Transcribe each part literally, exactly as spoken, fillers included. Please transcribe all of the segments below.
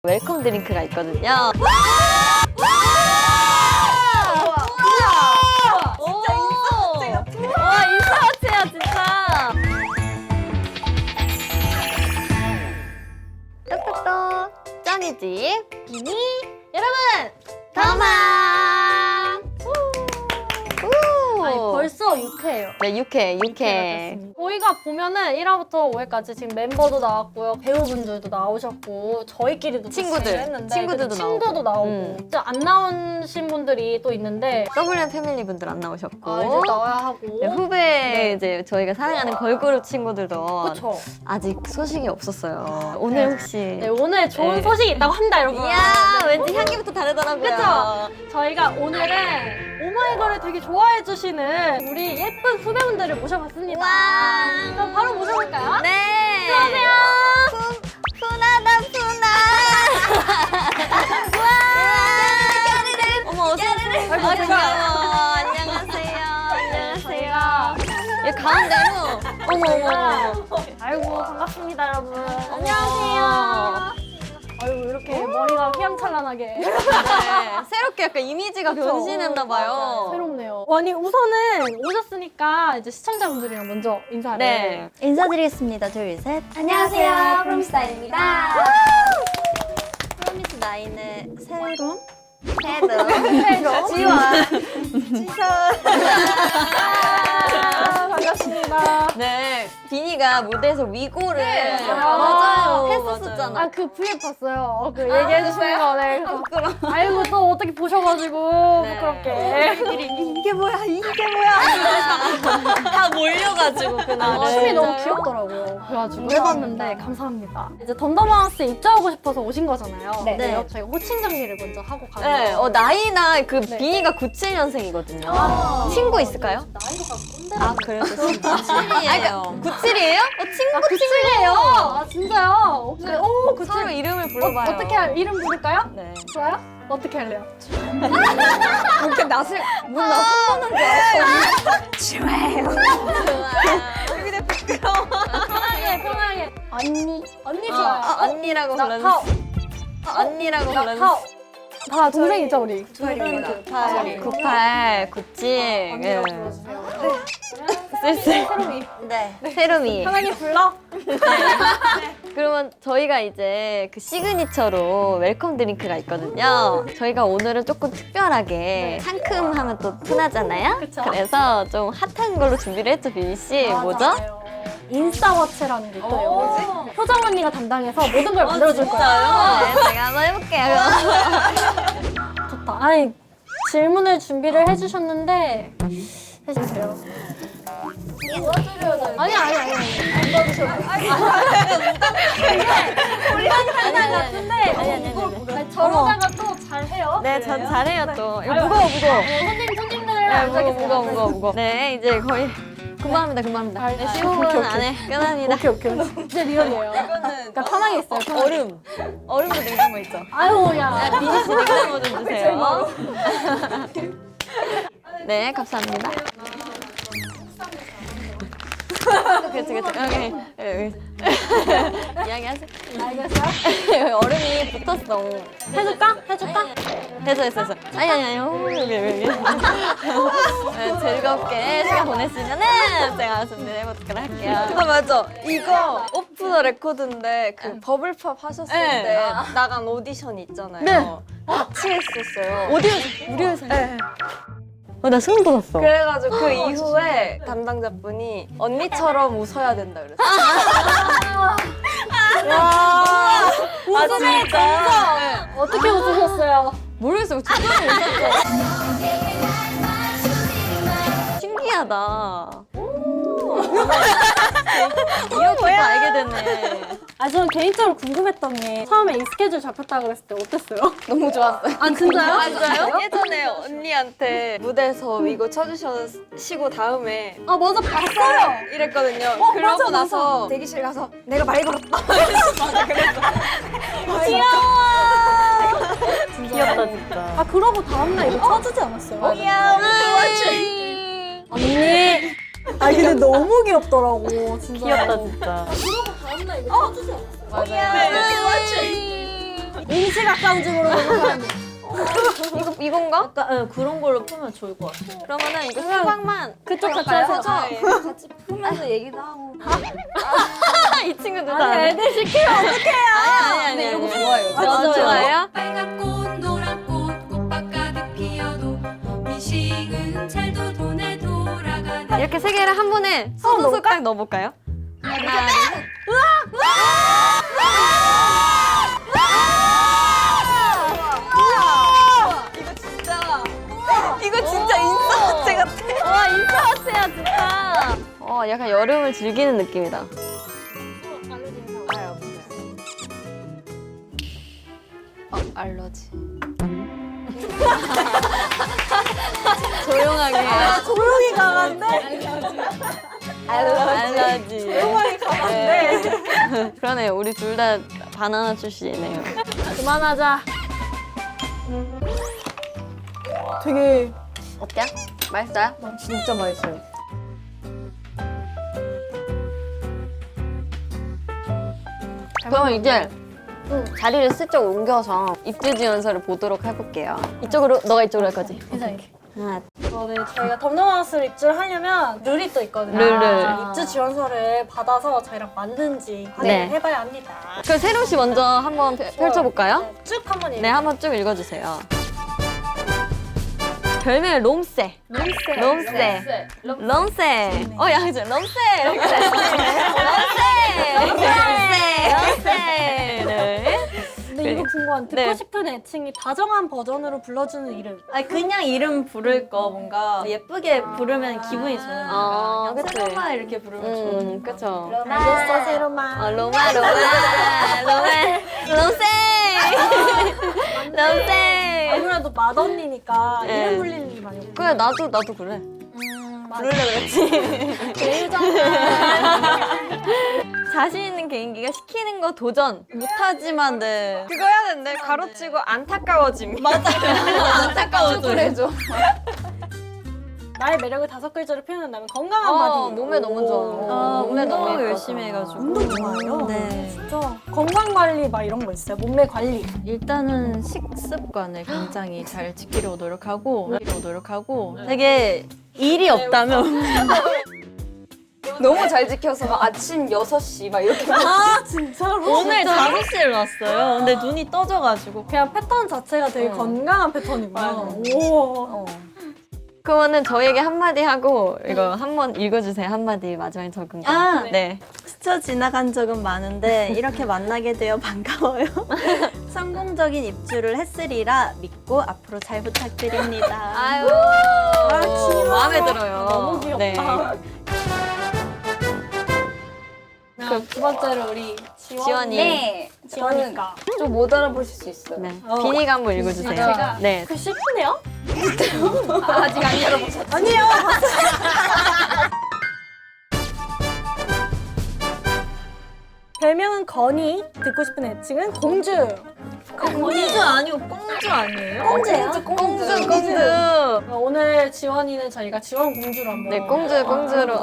웰컴 드링크가 있거든요. 와, 인싸 같아요, 진짜. 똑똑똑 짱이지 비니 여러분 더마. 아니 벌써 육 회예요. 네, 육 회, 육 회. 저희가 보면은 일 화부터 오 회까지 지금 멤버도 나왔고요, 배우분들도 나오셨고, 저희끼리도 친구들, 진행을 했는데, 친구들도 그래서 친구도 나오고. 나오고, 음. 진짜 안 나오신 분들이 또 있는데 더블유엠 패밀리 분들 안 나오셨고, 아, 이제 나와야 하고. 네, 후배 네. 이제 저희가 사랑하는 걸그룹 친구들도 그쵸? 아직 소식이 없었어요. 오늘 혹시 네, 오늘 좋은 네. 소식이 있다고 합니다, 여러분. 이야, 왠지 향기부터 다르더라고요. 그쵸? 저희가 오늘은 오마이걸을 되게 좋아해 주시는 우리 예쁜 후배분들을 모셔봤습니다. 와. 그럼 바로 모셔볼까요? 네. 안녕하세요. 푸, 푸나다 푸나. 와. 어머, 어서오세요. 아이고, 아, 제가- 귀여워. 안녕하세요. 안녕하세요. 저희가 이 가운데로. 어머, 어머, 어머. 아이고, 반갑습니다, 여러분. 안녕하세요. 아이고, 이렇게 머리가 휘황찬란하게. 네, 새롭게 약간 이미지가 변신했나봐요. 새롭네요. 아니, 우선은 오셨으니까 이제 시청자분들이랑 먼저 인사를. 네. 인사드리겠습니다. 둘, 셋. 안녕하세요. 프롬스타일입니다. 프로미스 나인의 새로운 새로. 새로. 지원. 아, 반갑습니다. 네. 비니가 무대에서 위고를 네. 맞아요. 아, 했었잖아. 아, 그 브이앱 봤어요. 어, 그 얘기해주시는 거. 네. 부끄러워. 아이고, 또 어떻게 보셔가지고, 네. 부끄럽게. 이게 뭐야, 이게 뭐야. 다 몰려가지고 그날. 아, 춤이 너무 귀엽더라고요. 그래가지고 해봤는데 감사합니다. 이제 덤덤하우스에 입장하고 싶어서 오신 거잖아요. 네. 네. 저희가 호칭 정리를 먼저 하고 가요. 네, 어, 나이나 그 네. 비니가 구십칠 년생이거든요. 아. 친구 있을까요? 나이가 꼰대. 아, 그래요? 좋습니다. 구십칠이에요. 구십칠이에요? 어, 친구 아, 구칠이에요. 아, 진짜요? 오케이. 오, 구칠. 서로 이름을 불러봐요. 어, 어떻게 할, 이름 부를까요? 네. 좋아요? 어떻게 할래요? 이렇게 낯을, 뭔나 손보는 줄 알았어. 좋아요. 여기다 부끄러워. 편하게, 편하게. 언니. 언니 어, 좋아요. 어, 언니라고 나 불러주세요. 타오. 어, 언니라고 나 불러주세요. 타오. 다 동생이죠, 우리? 구팔입니다. 구십팔, 구십팔, 구십칠. 언니라고 예. 불러주세요. 쓸쓸. 새롬이. 네. 세롬이. 편하게 불러. 그러면 저희가 이제 그 시그니처로 웰컴 드링크가 있거든요. 저희가 오늘은 조금 특별하게 상큼하면 또 푸나잖아요. 그쵸. 그래서 좀 핫한 걸로 준비를 했죠, 비니 씨. 뭐죠? 맞아요. 인싸워치라는 게 있어요. 어. 효정 언니가 담당해서 모든 걸 만들어줄 거예요. 네, 제가 한번 해볼게요. 좋다. 아니, 질문을 준비를 해주셨는데 해주세요. 아니 아니 아니 안 받으셔도 장난 같은데 아니, 아니, 아니, 아니. 아니, 저러다가 또 잘해요. 네, 전 잘해요 또. 이거 아유, 무거워, 무거워. 어, 손님 손님들 네, 안 무거워, 가겠어요. 무거워, 무거워, 무거워. 네, 이제 거의 금방 합니다, 금방 합니다. 아, 네, 아, 십오 분 오케이, 오케이. 안에 끝납니다. 오케이 오케이 진짜 리얼이에요. 그러니까 편하게 있어요. 편하게. 얼음. 얼음도 냉장고 있죠? 아유 야. 비니 씨 냉장고 좀 주세요. 네, 감사합니다. 그렇지, 그렇지. 여기, 여기. 이야기하세요. 알겠어요? 얼음이 붙었어. 해줄까? 해줄까? 됐어, 됐어, 됐어. 아니, 아니, 아니. 오, 여기, 여기. 네, 즐겁게 시간 보냈으면은 제가 준비해보도록 할게요. 그거 맞아. 이거 오프 더 레코드인데 그 응. 버블팝 하셨을 네. 때 나간 오디션 있잖아요. 네. 같이 했었어요. 어디에서? 우리 회사. 네. 어, 나 소름 돋았어. 그래가지고 그 이후에 담당자분이 언니처럼 웃어야 된다 그랬어요. 와. 웃음의 감성. 어떻게 웃으셨어요? 모르겠어요. 진짜 웃었어. 신기하다. 이렇게 또 알게 됐네. 아, 저는 개인적으로 궁금했던 게 처음에 이 스케줄 잡혔다고 그랬을 때 어땠어요? 너무 좋았어요. 아, 진짜요? 맞아요? 예전에 언니한테 무대에서 이거 쳐주시고 다음에 아, 맞아, 봤어요. 이랬거든요. 어, 그러고 맞아, 나서 맞아. 대기실 가서 내가 많이 걸었다. 귀엽다, 진짜. 아, 그러고 다음날 이거 쳐주지 않았어요? 귀여워. 언니. 아, 근데 너무 귀엽더라고, 진짜. 귀엽다, 진짜. 그러고 다음날 이거 쳐주지 않았어요? 맞아요. 임시각각적으로 넘어가는. 이거 이건가? 약간 응, 그런 걸로 풀면 좋을 것 같아. 그러면은 이거 수박만 그쪽 같이 해서. 같이 풀면서 얘기도 하고. 이 친구들 아니 애들 시키면 어떡해요? 아니 아니 근데 아니. 이런 거 좋아해요. 아, 좋아해요? 빨간 꽃 노란 꽃 꽃밭 가득 피어도 민식은 잘도 돈에 돌아가네. 이렇게 세 개를 한 번에 소소소 딱 넣어볼까요? 하나, 둘, 이거 진짜 인싸 같아. 와 인싸같아요 진짜. 어 약간 여름을 즐기는 느낌이다. 알러지. 조용하게. 아, 조용히 가는데? 알러지. 조용히 가는데? 그러네요. 우리 둘 다 바나나 출신이네요. 그만하자. 되게 어때요? 맛있어요? 진짜 맛있어요. 그러면 이제 자리를 슬쩍 옮겨서 입지지 연설을 보도록 해볼게요. 이쪽으로 너가 이쪽으로 할 거지? 괜찮게. 하나, 네, 저희가 덤덤하우스를 입주를 하려면 룰이 또 있거든요. 룰을. 입주 지원서를 받아서 저희랑 맞는지 확인을 네. 해봐야 합니다. 그럼 세롱 씨 먼저 한번 펼- 펼쳐볼까요? 네, 쭉 한번 네, 한번 쭉 읽어주세요. 별명이 롬세. 룸세. 롬세. 롬세. 어, 야, 그죠? 롬세. 이렇게. 롬세. 롬세. 롬세. 근데 이거 궁금한 듣고 네. 싶은 애칭이 다정한 버전으로 불러주는 이름. 아니 그냥 이름 부를 거 뭔가 예쁘게 부르면 기분이 좋은 거. 어, 그냥 그치. 새로만 이렇게 부르면 좋은 음, 그쵸. 알겠어, 세로마. 어, 로마, 로마. 로마. 롬세. 롬세. 아무래도 맏언니니까 네. 이름 불리는 게 많이 없고. 그래, 나도, 나도 그래. 부르려 그랬지. 자신 있는 개인기가 시키는 거 도전. 못하지만 네. 그거 해야 되는데 가로치고 안타까워짐. 안타까워져. 그래줘. 나의 매력을 다섯 글자로 표현한다면 건강한 어, 바디. 몸에 너무 좋아. 아, 몸에 너무 운동을 예뻐서. 열심히 해가지고. 운동 좋아해요? 네. 진짜 건강 관리 막 이런 거 있어요? 몸매 관리. 일단은 식습관을 굉장히 잘 지키려고 노력하고 지키려고 노력하고 되게 일이 없다면 너무 잘 지켜서 막 아침 여섯 시 막 이렇게 아 진짜로? 오늘 다섯 시에 왔어요. 근데 눈이 떠져가지고 그냥 패턴 자체가 되게 어. 건강한 패턴이구나. 맞아. 오. 그러면은 저에게 한마디 하고 이거 한번 읽어주세요. 한마디 마지막에 적은 거. 아, 네. 스쳐 지나간 적은 많은데 이렇게 만나게 되어 반가워요. 성공적인 입주를 했으리라 믿고 앞으로 잘 부탁드립니다. 아유. 귀여워. 마음에 들어요. 너무 귀엽다. 네. 그럼 두 번째로 우리 지원. 지원이. 네. 지원이가. 좀 못 알아보실 수 있어요. 네. 비니가 한번 읽어주세요. 제가? 네. 그 슬프네요? 아직 안 열어보셨죠? 아니요. 별명은 건이, 듣고 싶은 애칭은 공주. 공주 아니고 꽁주 아니에요? 공주예요? 공주, 공주. 오늘 지원이는 저희가 지원 공주로 한번. 네, 공주, 공주로.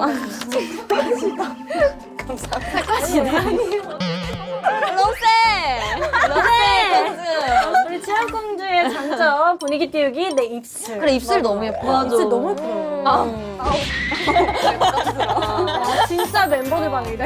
롬세! 롬세! 우리 지원 공주의 장점 분위기 띄우기 내 입술. 그래, 입술 너무 예뻐. 입술 너무 예뻐요. 음. 아, 진짜 멤버들 반응이다.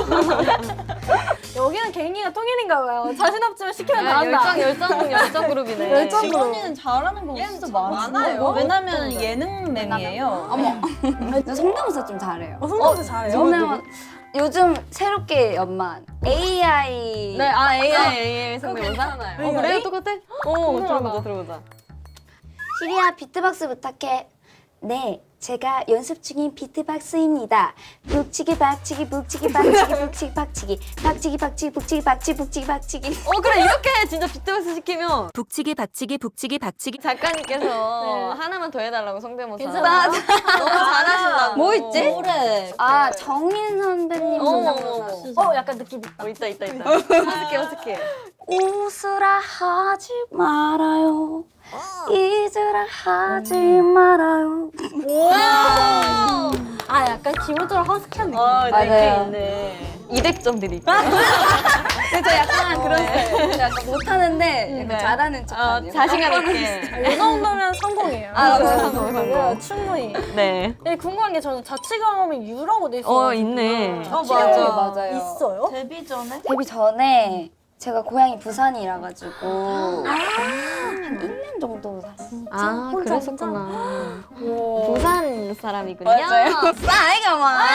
여기는 개인기가 통일인가 봐요. 자신 없지만 시키면 다 한다. 열정, 열정, 열정 그룹이네. 열정 그룹. 지원이는 잘하는 거 진짜 많아요. 왜냐면 예능맹이에요. 어머. 저 성대모사 좀 잘해요. 어, 성대모사 잘해요. 저는 요즘 새롭게 연만 에이아이 네, 아, 에이아이, 에이아이 성대모사? 어, 그래요? 똑같아? 어, 궁금하다. 들어보자, 들어보자. 시리아 비트박스 부탁해. 네, 제가 연습 중인 비트박스입니다. 북치기 박치기 북치기 박치기 북치기 박치기 박치기 박치기 북치기 박치기 북치기 박치기. 어, 그래, 이렇게 진짜 비트박스 시키면 북치기 박치기 북치기 박치기 작가님께서 네. 하나만 더 해달라고 성대모사. 괜찮아요? 너무 잘하신다고. 뭐 있지? 노래. 아, 정인 선배님 어머, 성대모사. 어머. 어, 약간 느낌 있다. 어, 있다, 있다, 있다. 어색해, 어색해. 웃으라 하지 말아요. 잊으라 하지 말아요. 아, 약간 기본적으로 허스키한 느낌. 어, 맞아요. 느낌 있네. 이백 점 드릴게요. 근데 저 약간 그런 스타일이에요. 저 약간 못하는데 약간 네. 잘하는 척 어, 하는 자신감 있게. 이 정도면 성공이에요. 아, 네, 성공, 성공. 네, 충분히. 네. 네, 궁금한 게 저는 자취 경험이 유라고 돼 있어요. 어, 있네. 어, 맞아. 맞아요. 있어요? 데뷔 전에 데뷔 전에 제가 고향이 부산이라 가지고 한 일 년 정도 샀어요. 아, 혼자, 그랬었구나. 오. 부산 사람이군요. 싸이가 막.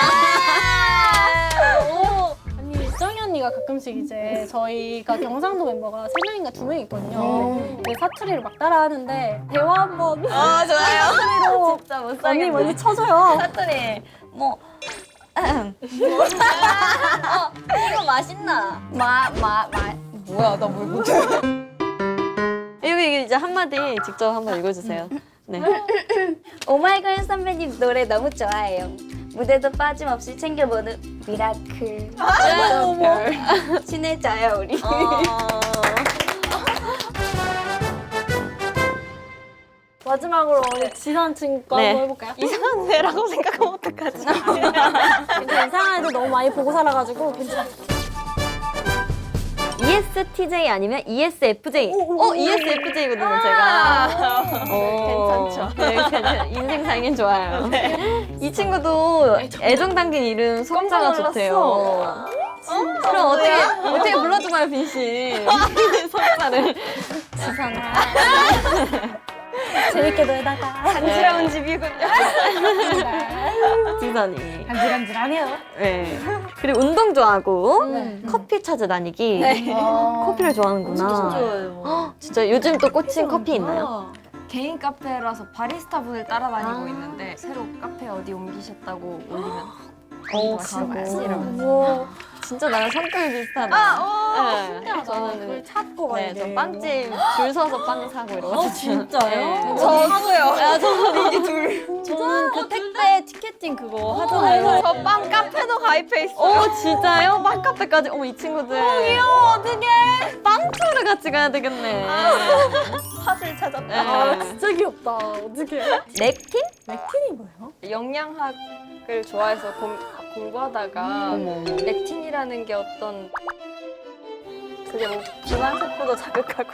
오. 아니, 정희 언니가 가끔씩 이제 저희가 경상도 멤버가 세 명인가 두 명 있거든요. 근데 사투리를 막 따라하는데 대화 한번 아 좋아요. 사투리로 진짜 못 언니 살겠네. 먼저 쳐줘요. 사투리. 뭐. 어, 이거 맛있나? 마마 마. 뭐야, 나 뭘 못해. 여기 이제 한마디 직접 한번 읽어주세요. 네. 오마이걸 선배님 노래 너무 좋아해요. 무대도 빠짐없이 챙겨보는 미라클. 별. 친해져요 우리. 마지막으로 우리 지선 친구 네. 한번 해볼까요? 이상한 애라고 생각하면 어떡하지? 괜찮아, 이상한 애들 너무 많이 보고 살아가지고 괜찮아. 이에스티제이 아니면 이에스에프제이. 어, 이에스에프제이거든요, 제가. 괜찮죠. 네, 괜찮- 인생 살긴 좋아요. 이 친구도 애정 담긴 이름 속자가 좋대요. 그럼 어떻게, 어떻게 불러줘봐요, 빈 씨. 속자를. 재밌게 놀다가 간지러운 집이군요. 지선이. 간질간질하네요. 네. 그리고 운동 좋아하고 커피 찾아 다니기. 커피를 좋아하는구나. 좋아요. 헉, 진짜 요즘 또 꽂힌 커피 있나요? 개인 카페라서 바리스타 분을 따라다니고 있는데 새로 카페 어디 옮기셨다고 올리면 어, 가고 이러면서. 오, 진짜 나랑 성격이 비슷하다. 아, 네. 저는 그걸 저는 찾고 네, 저 빵집 줄 서서 빵 사고 이러거든요. 어, 진짜요? 네. 저도요. 아, 저는 이게 둘. 저는 그 택배 티켓팅 그거 하잖아요. 저 빵 카페도 가입해 있어요. 어, 진짜요? 빵 카페까지. 어머, 이 친구들. 어, 귀여워. 어떡해. 빵 투를 같이 가야 되겠네. 팥을 찾았다. 네. 아, 진짜 귀엽다. 어떡해. 렉틴? 맥틴이 뭐예요? 영양학을 좋아해서 공, 공부하다가 어머, 어머. 렉틴이라는 게 어떤 그게 뭐 비만 세포도 자극하고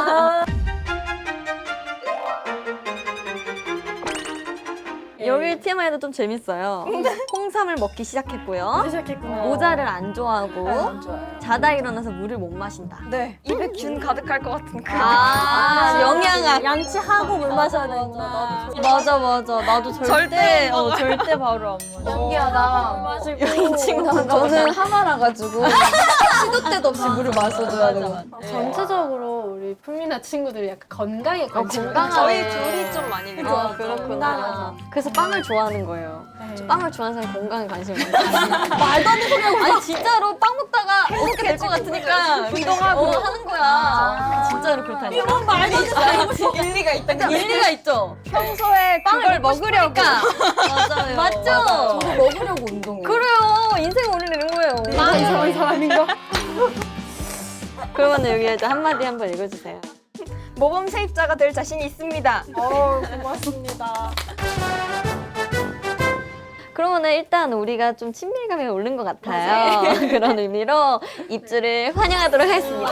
여기 티엠아이도 좀 재밌어요. 홍삼을 먹기 시작했고요. 시작했구나. 모자를 안 좋아하고 안 좋아요. 자다 일어나서 물을 못 마신다. 네. 입에 균 가득할 것 같은 그 아, 영양학. 양치하고 물 마셔야 되구나. 맞아, 맞아. 나도 절대, 절대 어, 절대 바로 안 마셔. 신기하다. 마시고. 이 친구 저는 하마라 가지고 시도 때도 없이 물을 마셔줘야 돼요. 전체적으로 우리 풀미나 친구들이 약간 건강에 관심 건강하네. 저희 둘이 좀 많이 그죠? 아, 그렇구나. 건강하죠. 그래서 빵을 좋아하는 거예요. 네. 빵을 좋아하는 사람이 건강에 관심이 많아요. 말도 안 되는 소리 하고 아니 진짜로 빵 먹다가 어떻게 될 것 같으니까 운동하고 어, 하는 거야. 진짜로 그렇다니까. 이런 말도 안 되는 일리가 있다. 일리가 있죠. 평소에 그걸 먹으려고 맞아요. 맞죠? 저도 먹으려고 운동해요. 그래요. 인생 올리는 거예요. 나 이상한 사람인가? 그러면 여기 이제 한마디 한번 읽어주세요. 모범 세입자가 될 자신이 있습니다. 어, 고맙습니다. 그러면은 일단 우리가 좀 친밀감이 오른 것 같아요. 그런 의미로 입주를 환영하도록 하겠습니다.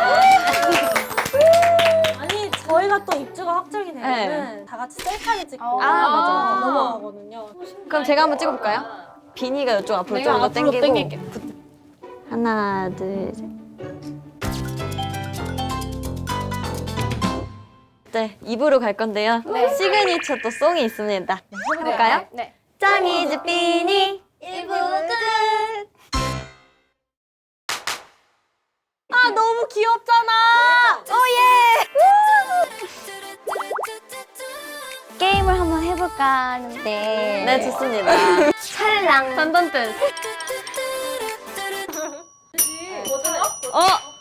아니, 저희가 또 입주가 확정이 되면은 다 같이 셀카를 찍고 아, 맞아, 맞아. 넘어가거든요. 그럼 제가 한번 찍어볼까요? 비니가 이쪽 앞으로 내가 좀 더 앞으로 당기고 당길게. 하나, 둘, 셋. 네, 입으로 갈 건데요. 시그니처 또 송이 있습니다. 해볼까요? 네. 짱이즈 비니 일 부 끝. 아 너무 귀엽잖아. 오예. 게임을 한번 해볼까 하는데. 네 좋습니다. 찰랑. 단단뜻. 어